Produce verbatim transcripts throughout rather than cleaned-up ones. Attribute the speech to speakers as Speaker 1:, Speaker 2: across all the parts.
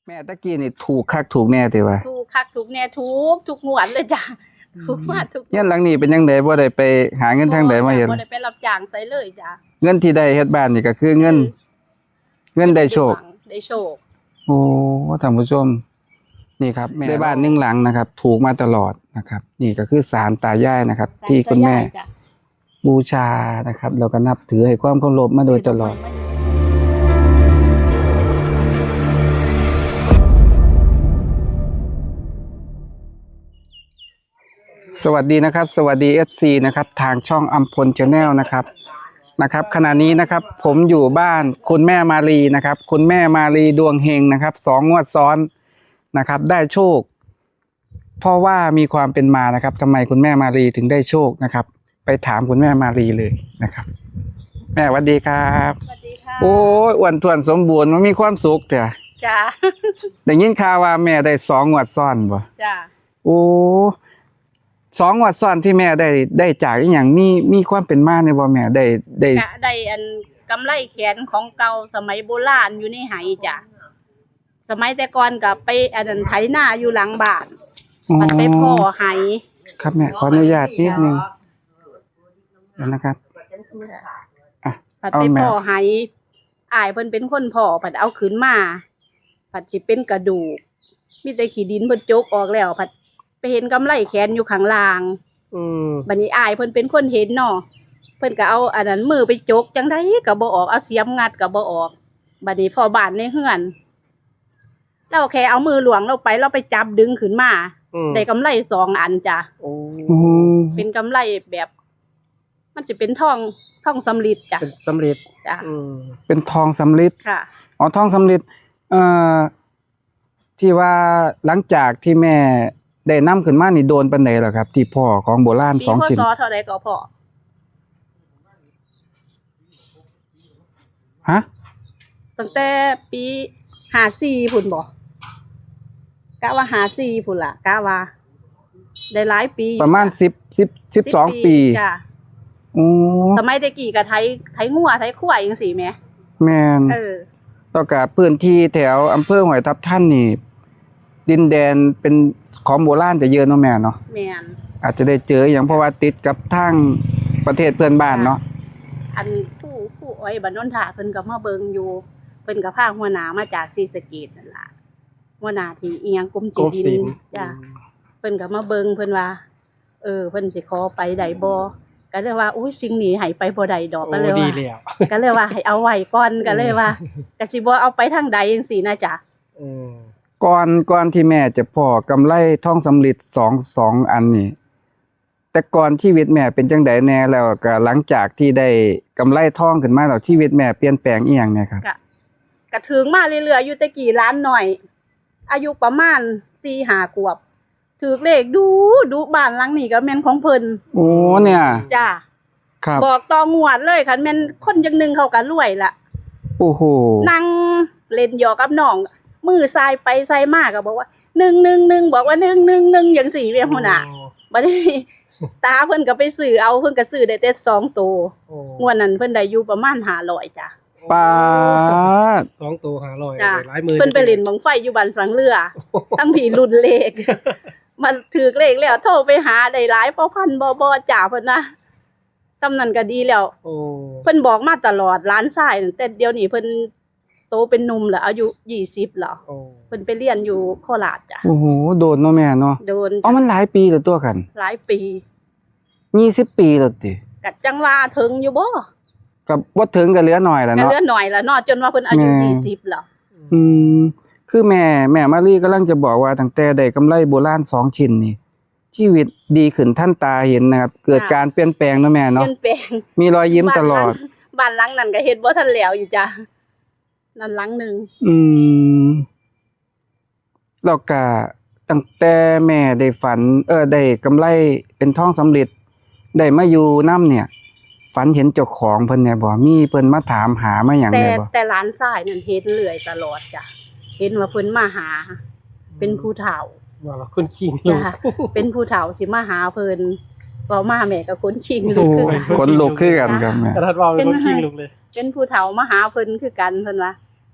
Speaker 1: แม่ตะกี้นี่ถูกคักถูกแน่ติว่า
Speaker 2: ถูกคักถูกแน่ทุกทุกงวดเลยจ้ะถูกมาทุก
Speaker 1: เงินหลังนี้เป็นจังได๋บ่ได้ไปหาเงินทางใดมาเฮ็ด
Speaker 2: บ่ได้ไปรับจ้างไสเลยจ้ะ
Speaker 1: เงินที่ได้เฮ็ดบ้านนี่ก็คือเงินเงินได้โชค
Speaker 2: ได้โชค
Speaker 1: โอ้ท่านผู้ชมนี่ครับแม่ได้บ้านหนึ่งหลังนะครับถูกมาตลอดนะครับนี่ก็คือศาลตายายนะครับที่คุณแม่บูชานะครับแล้วก็นับถือให้ความเคารพมาโดยตลอดสวัสดีนะครับสวัสดี เอฟ ซี นะครับทางช่องอัมพล Channel นะครับนะครับขณะนี้นะครับผมอยู่บ้านคุณแม่มาลีนะครับคุณแม่มาลีดวงเฮงนะครับสองงวดซ้อนนะครับได้โชคเพราะว่ามีความเป็นมานะครับทำไมคุณแม่มาลีถึงได้โชคนะครับไปถามคุณแม่มาลีเลยนะครับแม่สวัสดีครับ
Speaker 2: สวัสดีค่ะ
Speaker 1: โอ้ยอ้วนท้วนสมบูรณ์มันมีความสุขเถอะ
Speaker 2: จ้า
Speaker 1: ได้ยินข่าวว่าแม่ได้สองงวดซ้อนบ่
Speaker 2: จ้า
Speaker 1: โอ้สองงวดซ้อนที่แม่ได้ได้จากอีหยังมีมีความเป็นมาในบ่แม่ได้ได้
Speaker 2: ได้อันกำไรแขนของเก่าสมัยโบราณอยู่ในไหจ้ะสมัยแต่ก่อนกับไปอันนั้นไถนาอยู่หลังบ้านมันไปพ่อไห
Speaker 1: ครับแม่ขออนุญาตนิดนึงนะครับอ่ะ
Speaker 2: ผัดไปพ่อไหอายเพิ่นเป็นคนพ่อผัดเอาขึ้นมาผัดสิเป็นกระดูกมีแต่ขี้ดินเพิ่นจกออกแล้วผัดไปเห็นกำไรแขนอยู่ข้างล่างอืมบัดนี้อายเพิ่นเป็นคนเห็นเนาะเพิ่นก็เอาอันนั้นมือไปจกจังได๋ก็บ่ออกเอาเสียมงัดก็บ่ออกบัดนี้พ่อบ้านในเฮือนเราแค่เอามือหลวงเราไปเราไปจับดึงขึ้นมาได้กำไรสองอันจ้ะโอ้เป็นกำไรแบบมันจะเป็นทองทองสำริดจ้ะ
Speaker 3: เป็นสำริด
Speaker 2: จ้ะ
Speaker 1: เป็นทองสำริด
Speaker 2: ค่ะ
Speaker 1: อ๋อทองสำริดเอ่อที่ว่าหลังจากที่แม่ได้นำขึ้นมานี่โดนปานใดล่ะครับที่พ่อของโบราณสองชิ้น
Speaker 2: ปีพศเท่าใดก็พ่อ
Speaker 1: ฮะ
Speaker 2: ตั้งแต่ปีห้าสี่พุ่นบ่กะว่าห้าสี่พุ่นล่ะกะว่าได้หลายปี
Speaker 1: ประมาณสิบ สิบ สิบสองปี
Speaker 2: จ้ะ
Speaker 1: อ๋อ
Speaker 2: สมัยแต่กี้ก็ไถไถงัวไถควายจังซี่แหม
Speaker 1: แม่น
Speaker 2: เออ
Speaker 1: แล้วก็พื้นที่แถวอำเภอห้วยทับทันนี่ดินแดนเป็นของโบราณจะเยอะเนาะแม่เนาะ
Speaker 2: แม่น
Speaker 1: อาจจะได้เจออย่างเพราะว่าติดกับทางประเทศเพื่อนบ้านเนาะ
Speaker 2: อันผู้ผู้อ้อยบ้านโนนทาเพิ่นก็มาเบิ่งอยู่เพิ่นก็พาหัวหน้ามาจากศรีสะเกษนั่นล่ะหัวหน้าที่อีหยังกรมที่ดินจ้ะเพิ่นก็มาเบิ่งเพิ่นว่าเออเพิ่นสิขอไปได้บ่ก็เลยว่าอุ้ยสิ่งนี้ให้ไปบ่ได้ดอกก็เลยว่าก็เลยว่าให้เอาไว้ก่อนก็เลยว่าก็สิบ่เอาไปทางใดจังซี่นะจ๊ะ
Speaker 1: อือก่อนก่อนที่แม่จะพอกำไรทองสำริดสอง สองอันนี้แต่ก่อนชีวิตแม่เป็นจังไดแน่แล้วก็หลังจากที่ได้กำไรทองขึ้นมาแล้วชีวิตแม่เปลี่ยนแปลงอีหยังแน่ครับ
Speaker 2: ก็ก็ถึงมาเรื่อยๆอยู่แต่กี่ล้านหน่อยอายุประมาณ สี่ห้า ขวบถูกเลขดูดูบ้านหลังนี้ก็แม่นของเพิ่น
Speaker 1: โอ้เนี่ย
Speaker 2: จ้ะครับบอกต่องวดเลยคันแม่นคนจังนึงเขาก็รวยล่ะ
Speaker 1: โอ้โห
Speaker 2: นั่งเล่นหยอกกับน้องมือซ้ายไปซ้ายมาก็บอกว่าหนึ่ง หนึ่ง หนึ่งบอกว่าหนึ่ง หนึ่ง หนึ่งจังซี่แม่พุ่นน่ะบัดนี้ตาเพิ่นก็ไปซื้อเอาเพิ่นก็ซื้อได้แต่สองตัวงวดนั้นเพิ่นได้อยู่ประมาณห้าร้อยจ้ะ
Speaker 1: ปาด
Speaker 3: สองตัวห้าร้อย
Speaker 2: หลายหมื่นเพิ่นไปเล่นบังไฟอยู่บ้านสังเรือทั้งพี่รุ่นเลขมันถือเลขแล้วโทรไปหาได้หลายพอพันบ่บ่จ้าเพิ่นนะซ้ำนั้นก็ดีแล้วโอ้เพิ่นบอกมาตลอดหลานชายแต่เดี๋ยวนี้เพิ่นโตเป็นหนุ่มแล้วอายุยี่สิบแล้วโอ้เพิ่นไปเรียนอยู่โคราชจ้ะ
Speaker 1: โอ้โหโดนเนาะแม่เนาะ
Speaker 2: โดน
Speaker 1: อ๋อมันหลายปีแล้วตัวกัน
Speaker 2: หลายปี
Speaker 1: ยี่สิบปีแล้วติ
Speaker 2: ก็จังว่าถึงอยู่บ่
Speaker 1: ก็บ่ถึงก็เหลือน้อยแล้วเนาะ
Speaker 2: เหลือน้อยแล้วเนาะจนว่าเพิ่นอายุยี่สิบแล้ว
Speaker 1: อืมคือแม่แม่มาลีกำลังจะบอกว่าตั้งแต่ได้กำไรโบราณสองชิ้นนี่ชีวิตดีขึ้นท่านตาเห็นนะครับเกิดการเปลี่ยนแปลงเนาะแม่เนาะ
Speaker 2: เปลี่ยนแปลง
Speaker 1: มีรอยยิ้มตลอด
Speaker 2: บ้านหลังนั้นก็เฮ็ดบ่ทันแล้วอยู่จ้ะนั่นหลังนึง
Speaker 1: อืมแล้วก็ตั้งแต่แม่ได้ฝันเออได้กำไรเป็นทองสำริดได้มาอยู่นำเนี่ยฝันเห็นเจ้าของเพิ่นแน่บ่มีเพิ่นมาถามหามาหยังแน่บ่
Speaker 2: แต่แต่หลานชายนั่นเฮ็ดเรื่อยตลอดจ้ะเห็นว่าเพิ่นมาหาเป็นผู้เฒ่า
Speaker 3: ว่าคนขี้ลูก
Speaker 2: เป็นผู้เฒ่าสิมาหาเพิ่นเว้ามาแม่ก็คนขี้ลูกคือ
Speaker 1: คนลูกคือกันครับแม่
Speaker 3: กระทัดว่าเป็นคนขี้ลูกเลย
Speaker 2: เป็นผู้เฒ่ามาหาเพิ่นคือกันเพิ่นว่า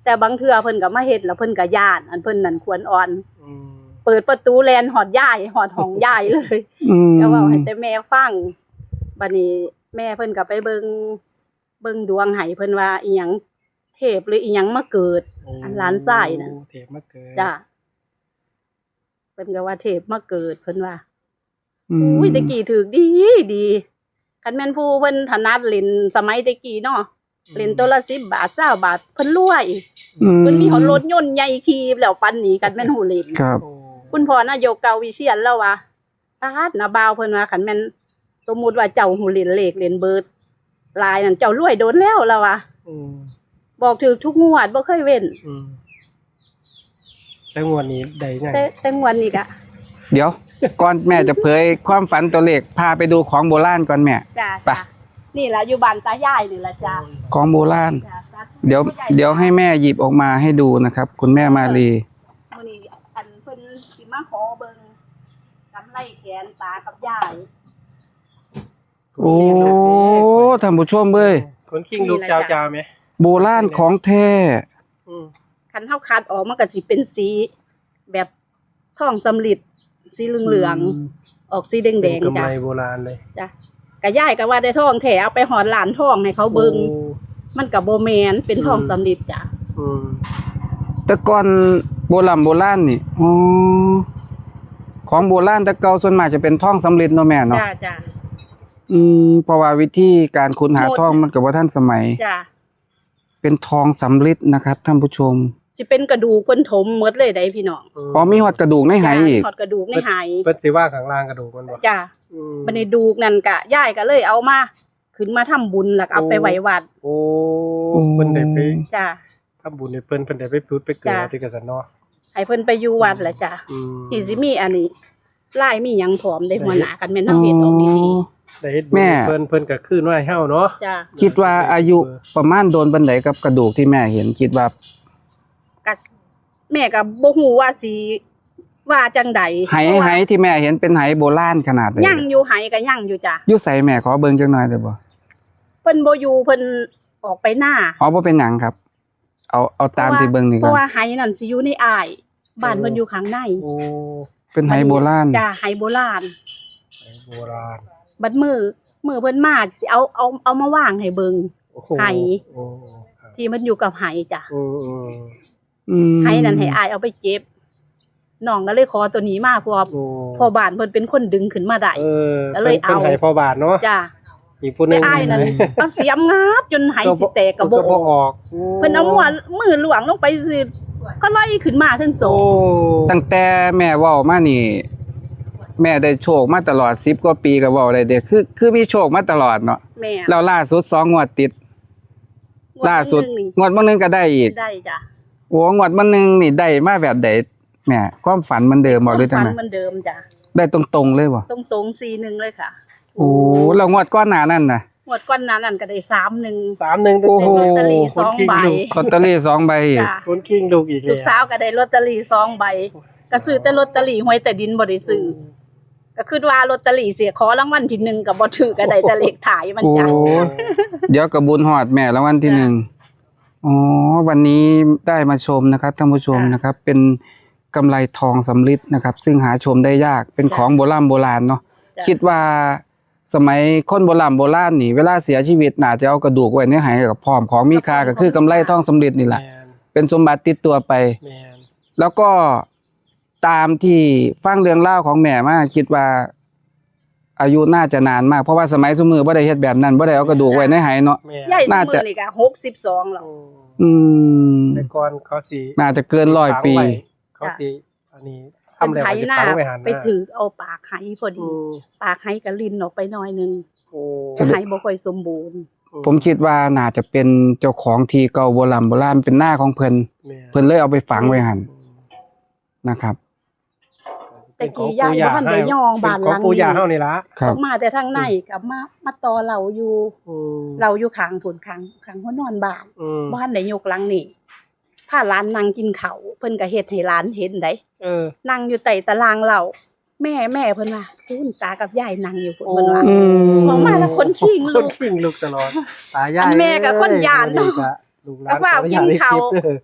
Speaker 2: แต่บางเทื่อเพิ่นก็มาเฮ็ดแล้วเพิ่นก็ย่านอันเพิ่นนั่นควรอ่อน
Speaker 3: อืม
Speaker 2: เปิดประตูแลนหอดยายหอดห้องยายเลย
Speaker 1: อืม
Speaker 2: ก็เว้าให้แต่แม่ฟังบัดนี้แม่เพิ่นก็ไปเบิ่งเบิ่งดวงให้เพิ่นว่าอีหยังเทพหรืออีหยังมาเกิด
Speaker 3: โอ้
Speaker 2: อันหลานชายน่ะ
Speaker 3: เทพมาเกิด
Speaker 2: จ้ะเพิ่นก็ว่าเทพมาเกิดเพิ่นว่า
Speaker 1: อืม
Speaker 2: อุ้ยแตะกี้ถูกดีดีคันแม่นผู้เพิ่นถนัดเล่นสมัยแตะกี้เนาะเล่นตัวละสิบบาทยี่สิบบาทเพิ่นรวย
Speaker 1: อื
Speaker 2: เพิ่นมีหอรถยนต์ใหญ่ขี่แล้วปันนี้กันแม่นหูเล่น
Speaker 1: ครับ
Speaker 3: โอ้
Speaker 2: คุณพ่อนายกเกาวิเชียรแล้วว่าตาดนะบ่าวเพิ่นว่าคันแม่นสมมุติว่าเจ้าหูเล่นเลขเล่นเบิดลายนั่นเจ้ารวยโดนแล้วแล้วว่า
Speaker 3: อืม
Speaker 2: บอกถูกทุกงวดบ่เคยเว้น
Speaker 3: อืมแต่งวดนี้ได้ยัง
Speaker 2: แต่แต่งวดนี้ก็
Speaker 1: เดี๋ยว ก่อนแม่จะเผยความฝันตัวเลขพาไปดูของโบราณก่อนแม่
Speaker 2: จ้า
Speaker 1: ไป
Speaker 2: จ้านี่ล่ะอยู่บ้านตายายนี่ล่ะจ้า
Speaker 1: ของโบราณ
Speaker 2: จ้าสาธุ
Speaker 1: เดี๋ยวเดี๋ยวให้แม่หยิบออกมาให้ดูนะครับ คุณแม่มาลี
Speaker 2: มื้อนี้อันเพิ่นสิมาขอเบิ่งกำไรแขนตากับยาย
Speaker 1: โอ้ท่านผู้ชมเอ้ย
Speaker 3: คนคิงลูกเจ้าจ้าไหม
Speaker 1: โบราณของแท้
Speaker 3: อืม
Speaker 2: คันเฮาคัดออกมันก็สิเป็นสีแบบทองสำริดสีเหลืองๆออกสีแด
Speaker 3: เป็น
Speaker 2: ง
Speaker 3: กำ
Speaker 2: ๆจ้ะ
Speaker 3: ไรโบราณเลย
Speaker 2: จ้ะกะยายก็ว่าได้ทองแท้เอาไปหอดหลานทองให้เขาเบิ่ง
Speaker 3: โอ้
Speaker 2: มันก็บ่แม่นเป็นทอง
Speaker 3: อืม
Speaker 2: สำริดจ้ะ
Speaker 3: อืม
Speaker 1: แต่ก่อนโบราณโบราณนี่อ๋อของโบราณแต่เก่าส่วนมากจะเป็นทองสำริดเนาะแม่เนาะ
Speaker 2: จ้ะจ้ะ
Speaker 1: อืมเพราะว่าวิธีการค้นหาทองมันก็บ่ทันสมัย
Speaker 2: จ้ะ
Speaker 1: เป็นทองสำริดนะครับท่านผู้ชม
Speaker 2: สิเป็นกระดูกเพิ่นถมหมดเลยได้พี่น้อง
Speaker 1: อ๋อมีหอดกระดูกในไห
Speaker 2: จ้ะ
Speaker 1: อีก
Speaker 2: ทอดกระดูกในไห
Speaker 3: เพิ่นสิว่าข้างล่างกระดูกมันบ่
Speaker 2: จ้ะ
Speaker 3: อืม
Speaker 2: บัดนี้ดูกนั่นกะยายก็เลยเอามาขึ้นมาทำบุญแล้วก็เอาไปไว้วัด
Speaker 3: โอ้เพิ่นได้ไป
Speaker 2: จ้ะ
Speaker 3: ทำบุญให้เพิ่นเพิ่นได้ไปพุดไปเกิด
Speaker 2: จ้ะ
Speaker 3: ที่กษัตริย์เนาะ
Speaker 2: ให้เพิ่นไปอยู่วัดแหละจ้ะ
Speaker 3: อืม
Speaker 2: ที่สิมีอันนี้ลายมีหยังพร้อมได้หัวหน้ากันแม่นเฮาเฮ็ดออกดี
Speaker 3: ได้เฮ็ดบุญ
Speaker 1: แม่
Speaker 3: ให้เพิ่นเพิ่นก็คืนไว้ให้เฮาเนาะ
Speaker 2: ๆจ้ะ
Speaker 1: คิดว่าอายุประมาณโดนบันไดกับกระดูกที่แม่เห็นคิดว่า
Speaker 2: ก็แม่ก็บ่ฮู้ว่าสิว่าจังใด
Speaker 1: ไหไหที่แม่เห็นเป็นไหโบราณขนาดไหน
Speaker 2: ยังอยู่ไหก็ยังอยู่จ้ะ
Speaker 1: อยู่ใส่แม่ขอเบิ่งจักหน่อยได้บ่
Speaker 2: เพิ่นบ่อยู่เพิ่นออกไปหน้า
Speaker 1: อ๋อบ่เป็นหยังครับ เอาเอาตามที่เบิ่งนี่
Speaker 2: เพ
Speaker 1: ก่อ
Speaker 2: ราะ
Speaker 1: น
Speaker 2: ว่าไหนั่นสิอยู่ในอ้ายบ้านเพิ่นอยู่ข้างใน
Speaker 3: โอ้
Speaker 1: เป็นไหโบราณ
Speaker 2: จ้ะไหโบราณ
Speaker 3: ไหโบราณ
Speaker 2: บัดมือมือเพิ่นมาสิเอาเอาเอามาวางให้เบิ่ง
Speaker 3: โอ้โ
Speaker 2: ไห
Speaker 3: โอ้ครับ
Speaker 2: ที่มันอยู่กับไหจ้ะ
Speaker 3: อืมอืม
Speaker 1: อืม
Speaker 2: ไหนั่นให้อ้ายเอาไปเก็บน้องก็เลยขอตัวนี้มาเพราะว่า
Speaker 3: โอ้
Speaker 2: พ่อบ้านเพิ่นเป็นคนดึงขึ้นมาได้
Speaker 3: เออ
Speaker 2: ก็เลยเอา
Speaker 3: พิ่นให้พ่อบาทเนาะ
Speaker 2: จ้ะ
Speaker 3: อีกผู้หนึ
Speaker 2: แต่
Speaker 3: ง
Speaker 2: อ้ายนั่นเอาเสียมงับจนไหสิแตกกระโบ
Speaker 3: ก็บ่
Speaker 2: ก
Speaker 3: ออก
Speaker 2: เพิ่นเอามือมือหลวงลงไปสิก็ไล่ขึ้นมาทั้งสอ
Speaker 3: โอ้
Speaker 2: ง
Speaker 1: ตั้งแต่แม่เว้ามานี่ แม่ได้โชคมาตลอดสิบกว่าปีก็เว้าได้เด้คือคือมีโชคมาตลอดเนาะ
Speaker 2: แม่
Speaker 1: แล้วล่าสุดสองงวดติด ล่าสุด
Speaker 2: งวหนึ่ง
Speaker 1: งวดมื้อนึงก็ได้อีก
Speaker 2: นี่ได้จ้ะ
Speaker 1: โอ้งวดมื้อนึงนี่ได้มาแบบใดแม่ความฝันเหมันเดิมบ่หรือจัง
Speaker 2: ฝัน
Speaker 1: ได๋
Speaker 2: เหมือนเดิมจ้ะ
Speaker 1: ได้ตรงๆเลยบ่
Speaker 2: ตรงตรงๆสี่หนึ่งเลยค่ะ
Speaker 1: โอ้แล้วงวดก่อนหน้านั้นน่ะ
Speaker 2: งวดก้อนนั้นนั่นก็ได้สามหนึ่ง
Speaker 3: สามหนึ่ง
Speaker 1: โอ้โห
Speaker 2: ลอตเตอรี่สองใบ
Speaker 1: ลอตเตอรี่สองใบอีก
Speaker 2: จ้ะ
Speaker 3: คนคิงลูกอีก
Speaker 2: ลูกสาวก็ได้ลอตเตอรี่สองใบก็ซื้อแต่ลอตเตอรี่หวยแต่ดินบ่ได้ซื้อก็คือว่าลอตเตอรี่เสียขอรางวัลที่หนึ่งก็บ่ถือก็ได้แต่เลขถ่ายมัน
Speaker 1: โอ้
Speaker 2: จ้ะ
Speaker 1: เดี๋ยวก็บุญฮอดแม่รางวัลที่
Speaker 2: จ้ะ
Speaker 1: หนึ่งอ๋อวันนี้ได้มาชมนะครับท่านผู้ชม
Speaker 2: จ้ะ
Speaker 1: นะครับ เป็นกำไรทองสำริดนะครับ ซึ่งหาชมได้ยากเป็น
Speaker 2: จ้ะ
Speaker 1: ของโบราณโบราณเนาะ
Speaker 2: จ้ะ
Speaker 1: คิดว่าสมัยคนโบราณโบราณนี่เวลาเสียชีวิตน่าจะเอากระดูกไว้ในไหกับพร้อมของมีค่าก็คือกำไรทองสำริดนี่แหละ
Speaker 3: แม่น
Speaker 1: เป็นสมบัติติดตัวไป
Speaker 3: แม่น
Speaker 1: แล้วก็ตามที่ฟังเรื่องเล่าวของแม่มาคิดว่า อายุน่าจะนานมากเพราะว่าสมัยสมือบ่ได้เฮ็ดแบบนั้นบ่ได้เอากระดูกไว้ในไหเนาะ
Speaker 3: แม่น
Speaker 2: ใหญ่
Speaker 1: น่า
Speaker 2: สมื
Speaker 1: จะ
Speaker 2: อนี่ก็หกสิบสองแล้ว
Speaker 3: โอ้
Speaker 1: อืม
Speaker 3: แต่ก่อนเขาสิ
Speaker 1: น่าจะเกินร้อยปี
Speaker 3: ฝังไว้เขาสิอันนี้ทำ
Speaker 2: เป็น
Speaker 3: แล้ว
Speaker 2: ไถ
Speaker 3: เขาจะ
Speaker 2: หน้า
Speaker 3: ฝังไว้หัน
Speaker 2: ไปถือเอาปากไหพอ
Speaker 3: อื
Speaker 2: ดี
Speaker 3: ม
Speaker 2: ปากไหก็ลินออกไปหน่อยหนึง
Speaker 3: โอ้
Speaker 1: แสดง
Speaker 2: ไหบ่ค่อยสมบูรณ์
Speaker 1: ผมคิดว่าน่าจะเป็นเจ้าของที่เก่าโบราณโบราณเป็นหน้าของเพิ่น
Speaker 3: แม่น
Speaker 1: เพิ่นเลยเอาไปฝังไว้หั่นนะครับ
Speaker 2: แต่กี้ยายบ่ทันได้ย่องบ้านหลัง
Speaker 3: ของปู่ย่าเฮา
Speaker 2: นี้
Speaker 3: นี่ล่ะ
Speaker 1: ครั
Speaker 2: อบ อกมาแต่ทางในกลับมามาต่อเราอยู่
Speaker 3: อืม
Speaker 2: เราอยู่ข้างถุนข้างข้างหัวนอนบ้าน
Speaker 3: อืม
Speaker 2: บ่ทันได้ยกหลังนี่ถ้าร้านนั่งกินข้าวเพิ่นก็เฮ็ดให้ร้านเห็นได้
Speaker 3: เออ
Speaker 2: นั่งอยู่ใต้ตารางเราแม่แม่เพิ่นว่าคุณตากับยายนั่งอยู่พุ่นเพิ่นว่า
Speaker 1: อืม
Speaker 2: ออกมาแล้วคนขิง
Speaker 3: ค
Speaker 2: ลู
Speaker 3: น
Speaker 2: ก
Speaker 3: ขิงลูกตลอดตายาย
Speaker 2: อันแม่ก็คนย้านเนาะ
Speaker 3: เอ้ยลูกหลาน
Speaker 2: แล้วว่า
Speaker 3: ขออญต
Speaker 2: กินข้าว
Speaker 3: ได้คลิปเด้อ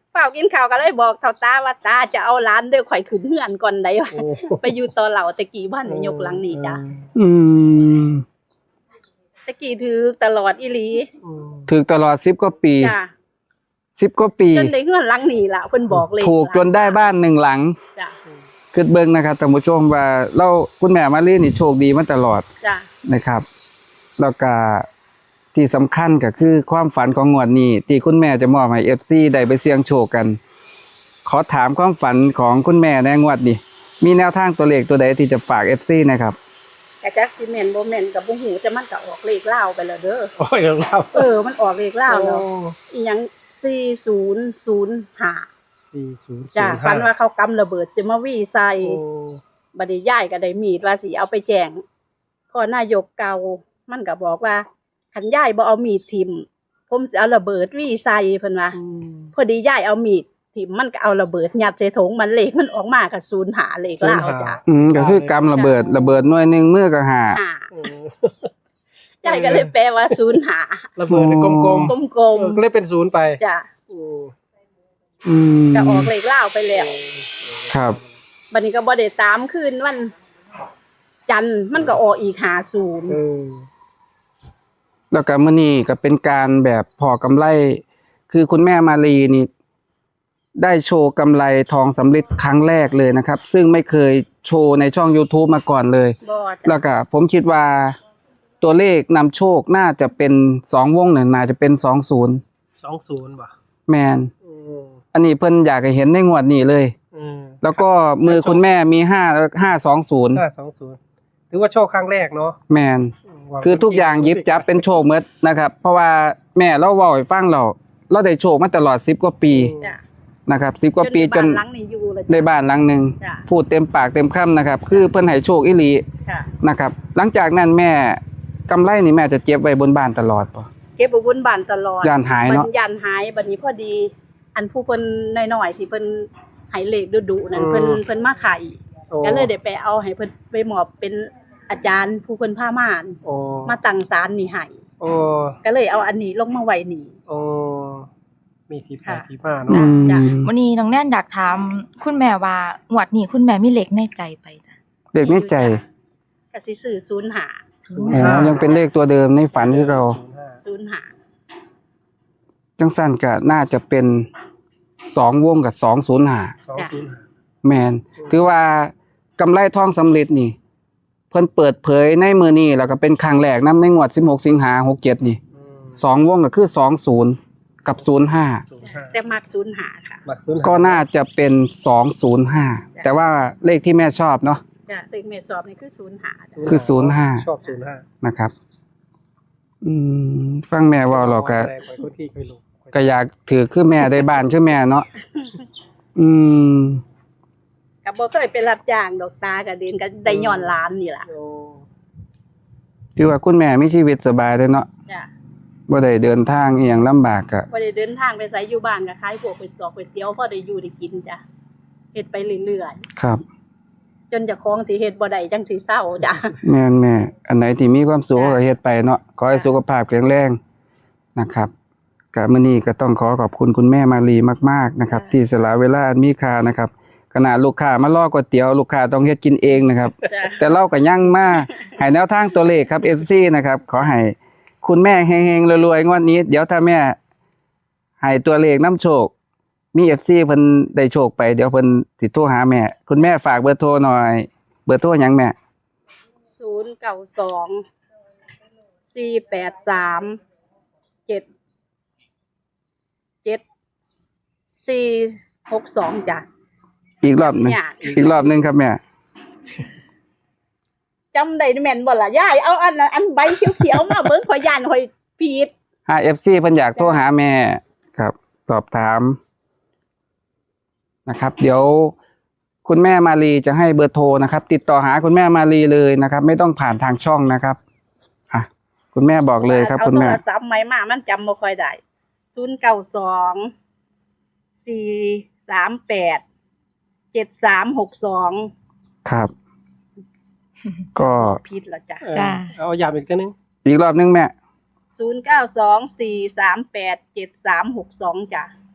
Speaker 2: เฝ้ากินข้าวก็เลยบอกเฒ่าตาว่าตาจะเอาหลานเด้อข่อยขึ้นเฮือนก่อนได้
Speaker 3: โอ้
Speaker 2: ไปอยู่ต่อเหล่าตะกี้บ้านนายกหลังนี้จ้ะ
Speaker 1: อืม
Speaker 2: ตะกี้ถือตลอดอีหลี
Speaker 3: อืม
Speaker 1: ถูกตลอดสิบกว่าปี
Speaker 2: จ้ะ
Speaker 1: สิบกว่าปี
Speaker 2: จนได้เฮือนหลังนี้ล่ะเพิ่นบอกเลย
Speaker 1: ถูกจนได้บ้านหนึ่งหลัง
Speaker 2: จ้ะ
Speaker 1: คือเบิ่งนะครับท่านผู้ชมว่าเราคุณแม่มาลีนี่โชคดีมาตลอด
Speaker 2: จ้ะ
Speaker 1: นะครับแล้วก็ที่สำคัญก็คือความฝันของงวดนี้ที่คุณแม่จะมอบให้ เอฟ ซี ได้ไปเสี่ยงโชคกัน ขอถามความฝันของคุณแม่ในงวดนี้มีแนวทางตัวเลขตัวใดที่จะฝาก เอฟ ซี นะครับ
Speaker 2: กะจักสิแม่นบ่แม่นก็บ่ฮู้แต่มันก็ออกเลขลาวไปแล้วเด้อ
Speaker 3: โอ้ยเรา
Speaker 2: เออมันออกเลขลาวแล้ว
Speaker 3: โอ้
Speaker 2: อีหยังสี่ศูนย์ศูนย์ห้า
Speaker 3: สี่ศูนย์
Speaker 2: จ้ะ
Speaker 3: ศูนย์ห้า
Speaker 2: ฝันว่าเขากำระเบิดสิมาวี่ใส่
Speaker 3: โอ้
Speaker 2: บัดนี้ยายก็ได้มีดว่าสิเอาไปแจ้งพ่อนายกเก่ามันก็บอกว่าคันยายบ่เอามีดทิ่มผมจะเอาระเบิดวี่ใส่เพิ่นว่า
Speaker 3: อืม
Speaker 2: พอดียายเอามีดทิ่มมันก็เอาระเบิดยัดใส่ถุงมันเลขมันออกมาก็ศูนย์หาเลขลาวจ้ะ
Speaker 1: อืมก็คือกำระเบิดระเบิดหน่วยหนึงมือก็หา
Speaker 2: หา
Speaker 3: โอ้
Speaker 2: ยายก็เลยแปลว่าศูนย์หา
Speaker 3: ระเบิดกลม
Speaker 2: กลม
Speaker 3: ๆเออก็เลยเป็นศูนย์ไป
Speaker 2: ๆจ้ะ
Speaker 3: โอ้
Speaker 1: อืม
Speaker 2: ก็ออกเลขลาวไปแล้ว
Speaker 1: ครับ
Speaker 2: บัดนี้ก็บ่ได้ตามคืนวันจันทร์มันก็ออกอีกห้าศูนย์
Speaker 3: เออ
Speaker 1: แล้วก็มื้อนี้ก็เป็นการแบบพอกำไร คือคุณแม่มาลีนี่ ได้โชว์กำไรทองสำริดครั้งแรกเลยนะครับ ซึ่งไม่เคยโชว์ในช่อง YouTube มาก่อนเลย
Speaker 2: บ่จ้ะ
Speaker 1: แล้วก็ผมคิดว่าตัวเลขนำโชคน่าจะเป็นสองวงเนี่ยน่าจะเป็นสองศูนย์
Speaker 3: สองศูนย์ป่ะ
Speaker 1: แมน
Speaker 3: อืม
Speaker 1: อันนี้เพิ่นอยากให้เห็นในงวดนี้เลย
Speaker 3: อืม
Speaker 1: แล้วก็มือคุณแม่มีห้าห้าสองศูนย์
Speaker 3: ห้าสองศูนย์ถือว่าโชคครั้งแรกเนาะ
Speaker 1: แมนคือทุกอย่างหยิบจับเป็นโชคหมดนะครับ เพราะว่าแม่เราเว้าให้ฟังเราเราได้โชคมาตลอดสิบกว่าปี
Speaker 2: จ้ะ
Speaker 1: นะครับสิบกว่าปีจ
Speaker 2: จ
Speaker 1: น
Speaker 2: นบ้านหลังนี้อยู่เลย
Speaker 1: ในบ้านหลังหนึง
Speaker 2: จ้ะ
Speaker 1: พูดเต็มปากเต็มคำนะครับ คือเพิ่นให้โชคอีหลี
Speaker 2: ค่ะ
Speaker 1: นะครับ หลังจากนั้นแม่กำไรนี่แม่จะเก็บไว้บนบ้านตลอดป่ะ
Speaker 2: เก็บไว้บนบ้านตลอด
Speaker 1: ย่านหายเนาะ
Speaker 2: บัดยันหายบัดนี้พอดี อันผู้เพิ่นน้อยๆที่เพิ่นให้เลขดุๆนั่นเพิ่นเพิ่นมาไข่
Speaker 3: โอ้
Speaker 2: ก็เลยได้ไปเอาให้เพิ่นไปมอบเป็นอาจารย์ผู้เพิ่นพามาน
Speaker 3: โอ้
Speaker 2: มาตั้งศาลนี่ให้
Speaker 3: โอ้
Speaker 2: ก็เลยเอาอันนี้ลงมาไว้นี่
Speaker 3: โอ้มีที่ไป
Speaker 2: ค่ะ
Speaker 3: ที่มา
Speaker 1: อื
Speaker 3: เนาะ
Speaker 1: ม
Speaker 2: จ้ะ
Speaker 4: วันนี้น้องแน่นอยากถามคุณแม่ว่าหวดนี้คุณแม่มีเหล็กในใจไปจ้ะ
Speaker 1: เด็กในใจ
Speaker 2: ก็สิซื้อศูนย์หา
Speaker 3: ศูนย์
Speaker 1: อ๋อ
Speaker 3: ห้า
Speaker 1: ยังเป็นเลขตัวเดิมในฝันที่เรา
Speaker 3: ศูนย์ห้า
Speaker 2: ศูนย์หา
Speaker 1: จังสั้นก็น่าจะเป็นสองวงกับสองศูนย์หา
Speaker 3: สองศูนย์ห้า
Speaker 1: แมนคือว่ากำไรทองสำเร็จนี่ เพิ่นเปิดเผยในมือนี้แล้วก็เป็นครั้งแรกนำในงวดสิบหกสิงหาหกเจ็ดนี่
Speaker 3: อืม
Speaker 1: สองวงก็คือสองศูนย์กับศูนย์ห้า
Speaker 3: ศูนย์ห้า
Speaker 2: แต่มักศูนย์หาค่ะ
Speaker 3: หลักศูนย์ห้า
Speaker 1: ก็น่าจะเป็นสองศูนย์ห้าแต่ว่าเลขที่แม่ชอบเนาะ
Speaker 2: จ้ะเลขเมตรสอบนี่คือศูนย์หาจ้ะ
Speaker 1: คือศูนย์ห้า
Speaker 3: ชอบศูนย์ห้า
Speaker 1: นะครับ อืมฟังแม่เว่าเราก็
Speaker 3: แรงกว่าคนที่เคยลง
Speaker 1: ก็อยากถือคือแม่ได้บ้านคือแม่เนาะอืม
Speaker 2: ก็บ่เคยไปรับจ้างดอกตาก็เดินก็ได้ย้อนหล้านนี่ล่ะ
Speaker 3: โอ้
Speaker 1: คือว่าคุณแม่มีชีวิตสบายเลยเนาะ
Speaker 2: จ้ะ
Speaker 1: บ่ได้เดินทางอีหยังลำบากก็
Speaker 2: บ่ได้เดินทางไปไสอยู่บ้านก็ขายพวกเป็ดตอกเป็ดเตี๋ยวพอได้อยู่ได้กินจ้ะเฮ็ดไปเรื่อย
Speaker 1: ครับ
Speaker 2: ๆจนเจะคล้าของสิเฮ็ดบ่ได้จังสิเศร้าจ้ะ
Speaker 1: แม่นแม่ อันไหนที่มีความสุข
Speaker 2: จ้ะ
Speaker 1: ก็เฮ็ดไปเนาะ ขอให้
Speaker 2: จ้ะ
Speaker 1: สุขภาพแข็งแรงนะครับก็มื้อนี้ก็ต้องขอขอบคุณคุณแม่มาลีมากๆนะครับ ที่สละเวลาอันมีค่านะครับขณะลูกค้ามารอก๋วยเตี๋ยวลูกค้าต้องเฮ็ดกินเองนะครับ
Speaker 2: จ้ะ
Speaker 1: แต่เราก็ยังมาให้แนวทางตัวเลขครับ เอฟ ซี นะครับ ขอให้คุณแม่เฮงๆรวยๆงวดนี้ เดี๋ยวถ้าแม่ให้ตัวเลขน้ำโชค มี เอฟ ซี เพิ่นได้โชคไปเดี๋ยวเพิ่นสิโทรหาแม่ คุณแม่ฝากเบอร์โทรหน่อย เบอร์โทรหยังแม่
Speaker 2: ศูนย์ เก้า สอง สี่ แปด สาม เจ็ด เจ็ด สี่ หก สองจ้ะ
Speaker 1: อีกรอบหนึง
Speaker 2: ยาก
Speaker 1: อีกรอบหนึงครับแม่
Speaker 2: จำได้แม่นบ่ล่ะยายเอาอันนั้นอันใบเขียวๆมาเบิ่งข่อยย่านข่อยผิด
Speaker 1: หา เอฟ ซี เพิ่นอยากโทรหาแม่ครับ สอบถามนะครับ เดี๋ยวคุณแม่มาลีจะให้เบอร์โทรนะครับ ติดต่อหาคุณแม่มาลีเลยนะครับ ไม่ต้องผ่านทางช่องนะครับอ่ะคุณแม่บอกเลยครับ คุณแม่
Speaker 2: เอาโทรศัพท์ใหม่มามันจำบ่ค่อยได้ศูนย์ เก้า สอง สี่ สาม แปด เจ็ด สาม หก สอง
Speaker 1: ครับ ก็
Speaker 2: ผิดแล้วจ้ะ
Speaker 3: เออ
Speaker 4: จ้ะ
Speaker 3: เอาย้ำอีกทีนึง
Speaker 1: อีกรอบหนึงแม่
Speaker 2: ศูนย์ เก้า สอง สี่ สาม แปด เจ็ด สาม หก สองจ้ะ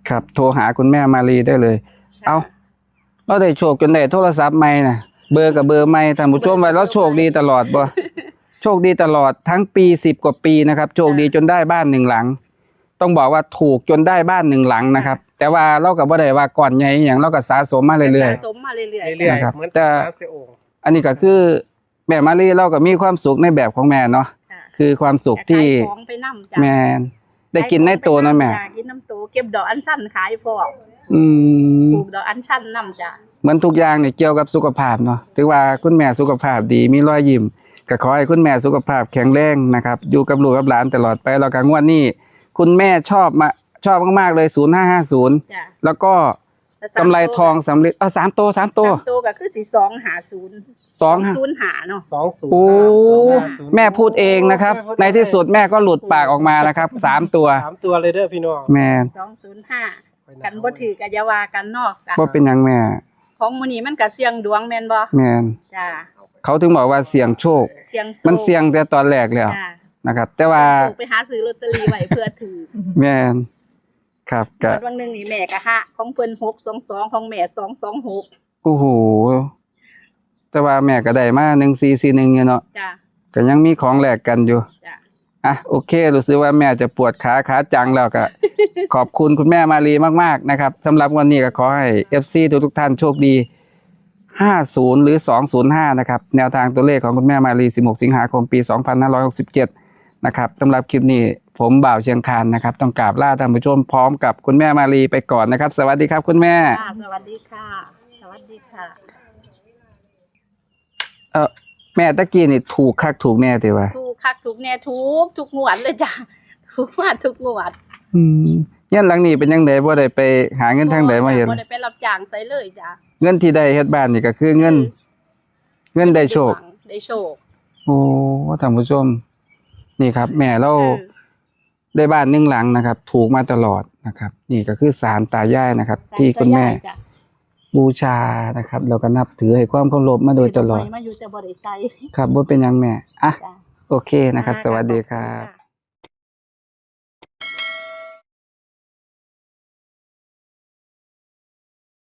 Speaker 1: ครับโทรหาคุณแม่มาลีได้เลย
Speaker 2: ค่ะ
Speaker 1: เอาเราได้โชคจนได้โทรศัพท์ใหม่น่ะเบอร์กับเบอร์ใหม่ท่านผู้ชมว่าเราโชคดีตลอดบ่ โชคดีตลอดทั้งปีสิบกว่าปีนะครับโชคดีจนได้บ้านหนึ่งหลัง ต้องบอกว่าถูกจนได้บ้านหนึ่งหลังนะครับ แต่ว่าเราก็บ่ได้ว่าก่อนใหญ่อหย่างเราก็สะสมมาเรื่อย
Speaker 2: สะสมมาเรื่อย
Speaker 3: เรื่อย
Speaker 1: นะครับ
Speaker 3: ๆเหมือน
Speaker 1: แต่
Speaker 3: น้ำเสียโอ่ง
Speaker 1: ๆอันนี้ก็คือแม่มาลีเราก็มีความสุขในแบบของแม่เนาะ
Speaker 2: ๆค่ะ
Speaker 1: คือความสุขที่
Speaker 2: ขายของไปนํจ้ะ
Speaker 1: แม่ได้กินในตัวนะแม่
Speaker 2: จ้ะกินน้ำโตเก็บดอกอัญชันขายพร้อม
Speaker 1: อืม
Speaker 2: ปลูกดอกอัญชันนํจ้ะ
Speaker 1: เหมือนทุกอย่างเนี่ยเกี่ยวกับสุขภาพเนาะถือว่าคุณแม่สุขภาพดีมีรอยยิ้มก็ขอให้คุณแม่สุขภาพแข็งแรงนะครับอยู่กับลูกกับหลานตลอดไปแล้วก็งวดนี้คุณแม่ชอบมาชอบมากๆเลยศูนย์ห้าห้าศูนย์
Speaker 2: จ้ะ
Speaker 1: แล้วก็กำไรทองสำเร็จเอาสามตัวสามตัว
Speaker 2: สามโตก็คือสิสองหาศูนย์
Speaker 1: สองห้า
Speaker 2: ศูนย์หาเนาะ
Speaker 3: สองศูนย์
Speaker 1: โอ้
Speaker 3: ห้าศูนย์
Speaker 1: แม่พูดเองนะครับ ในที่สุดแม่ก็หลุดปากออกมานะครับสามตัว
Speaker 3: สามตัวเลยเด้อพี่น้อง
Speaker 1: แม่
Speaker 2: สองศูนย์ห้ากันบ่ถือก็อย่าว่ากันเนาะจ้ะ
Speaker 1: ว่าเป็นหยังแม่
Speaker 2: ของมื้อนี้มันก็เสี่ยงดวงแม่นบ่
Speaker 1: แม่น
Speaker 2: จ้ะ
Speaker 1: เขาถึงบอกว่าเสี่ยงโชค
Speaker 2: เสี่ยงโชค
Speaker 1: มันเสี่ยงแต่ตอนแรกแล้ว
Speaker 2: จ้ะ
Speaker 1: นะครับ แต่ว่า
Speaker 2: โชคไปหาซื้อลอตเตอรี่ไว้เพื่อถือ
Speaker 1: แม่นครับก็
Speaker 2: วันหนึงนี่แม่ก็หะของเพิ่นหกสองสองของแม่สองสองหก
Speaker 1: โอ้โหแต่ว่าแม่ก็ได้มาหนึ่งสี่สี่หนึ่งอยู่เนาะ
Speaker 2: จ้ะ
Speaker 1: ก็ยังมีของแหลกกันอยู่
Speaker 2: จ้ะ
Speaker 1: อ่ะโอเครู้สึกว่าแม่จะปวดขาขาจังแล้วก็ ขอบคุณคุณแม่มารีมากๆนะครับสำหรับวันนี้ก็ขอให้ เอฟ ซี ทุกๆท่านโชคดีห้าสิบหรือสองศูนย์ห้านะครับแนวทางตัวเลขของคุณแม่มารีสิบหกสิงหาคมปีสองพันห้าร้อยหกสิบเจ็ดนะครับสำหรับคลิปนี้ผมบ่าวเชียงคานนะครับต้องกราบลาท่านผู้ชมพร้อมกับคุณแม่มารีไปก่อนนะครับ สวัสดีครับคุณแม่
Speaker 2: ค่ะสวัสดีค่ะ สวัสดีค่ะ
Speaker 1: เออแม่ตะกี้นี่ถูกคักถูกแน่ติว่า
Speaker 2: ถูกคักถูกแน่ทุกทุกงวดเลยจ้ะถูกมาทุกงวด
Speaker 1: อืมเงี้ยหลังนี้เป็นยังไงบ่ได้ไปหาเงินทางใดมาเห็น
Speaker 2: บ่ได้ไปรับจ้างไสเลยจ้ะ
Speaker 1: เงินที่ได้เฮ็ดบ้านนี่ก็คือเงิน เงินได้โชค
Speaker 2: ได้โชค
Speaker 1: โอ้ท่านผู้ชม นี่ครับ แม่เรา
Speaker 2: เออ
Speaker 1: ได้บ้านหนึ่งหลังนะครับ ถูกมาตลอดนะครับ นี่ก็คือศาลตายายนะครับ ที่คุณแม่
Speaker 2: จ้ะ
Speaker 1: บูชานะครับแล้วก็นับถือให้ความเคารพมาโดยตลอด
Speaker 2: ซื้กไม้มาอยู่แต่บ่ได้ใช้
Speaker 1: ครับบ่เป็นหยังแม่อ่ะ
Speaker 2: จ้ะ
Speaker 1: โอเคนะครับ สวัสดีครับ
Speaker 2: ะ